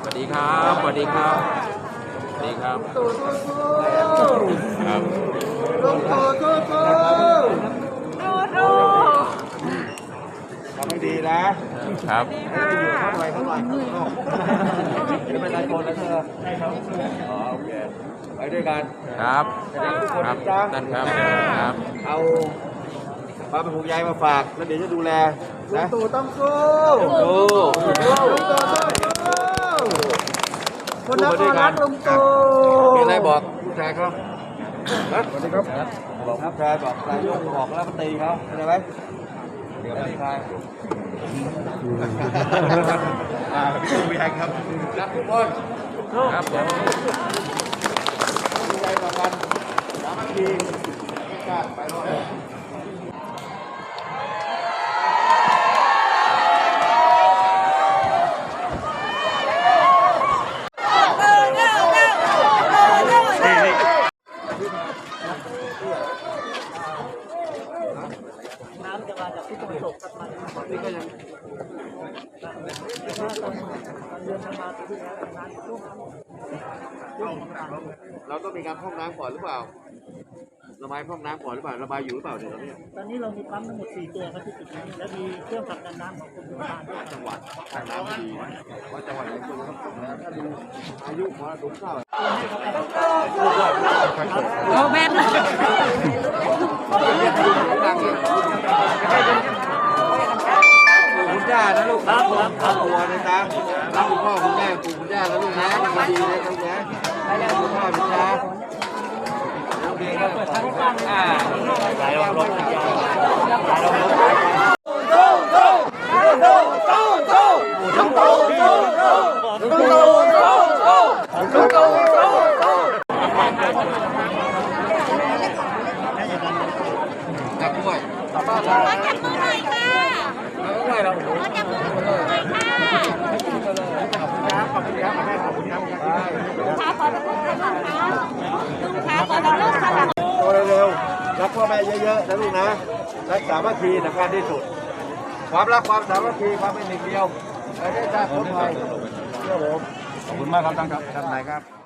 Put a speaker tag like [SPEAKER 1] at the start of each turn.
[SPEAKER 1] สวัสดีครับสวัสดีครับสวัสดีครับ
[SPEAKER 2] ตู่
[SPEAKER 1] ครับ
[SPEAKER 2] ลุงตู่ทำให้ดีนะครับเข้าหน่อยจะเป็นนายคนแล้วเธออ๋อโอเคไปด้วยกัน
[SPEAKER 1] ครับครับท่านครับครับ
[SPEAKER 2] เอาความเป็นห่วงใยมาฝากแล้วเดี๋ยวจะดูแลนะตู่ต้องสู้คนนครรักลุงตู่มีอะไรบอกผู้ชายเขาสวัสดีครับบอกผู้ชายบอกนายกบอกแล้วมาตีเขาเข้าใจไหมเดี๋ยวตีใครพี่ชายครับรักทุกคน
[SPEAKER 1] ครับผม
[SPEAKER 2] ใจต่อกันสามัคคีชาติไปรอดน้ำจะมาจากที่ตะวันตกกลับมานี่ก็ยังเดือนมาปีที่แล้วน้ำท่วมเราต้องมีการพร่องน้ำก่อนหรือเปล่าระบายพร่องน้ำก่อนหรือเปล่าระบายอยู่หรือเปล่าเนี่ย
[SPEAKER 3] ตอนนี้เรามีปั๊มทั้งหมด4ตัวครับที่จุดนี้และมีเครื่องผลักดันน้ำของกรมชลประทานด้วย
[SPEAKER 2] จังหวัดทางน้ำดีว่าจังหวัดไหนควรจะต้องถ้าดูอายุของสูงเท่า
[SPEAKER 4] โอ้แม่น
[SPEAKER 2] คุณย่านะลูกครับตัวนะจ๊ะรักคุณพ่อคุณแม่คุณย่าแล้วลูกนะดีเลยครับนะคุณพ่อคุณย่าโอเคครับสายลมจับด้วย
[SPEAKER 4] ขอจับมือหน่อยค่ะขอจับมือหน่อยค่ะ
[SPEAKER 2] ขอบคุณครับขอบคุณครับ
[SPEAKER 4] ลุงขาขอรับลูกค่ะลุงขาขอรับลูกค่ะ
[SPEAKER 2] โตเร็วๆรักพ่อแม่เยอะๆนะลูกนะรักสามัคคีสำคัญที่สุดความรักความสามัคคีความเป็นหนึ่งเดียวประเทศชาติคนไทยเชื่อผม
[SPEAKER 1] ขอบคุณมากครับท่านครับ
[SPEAKER 2] ท่านนายครับ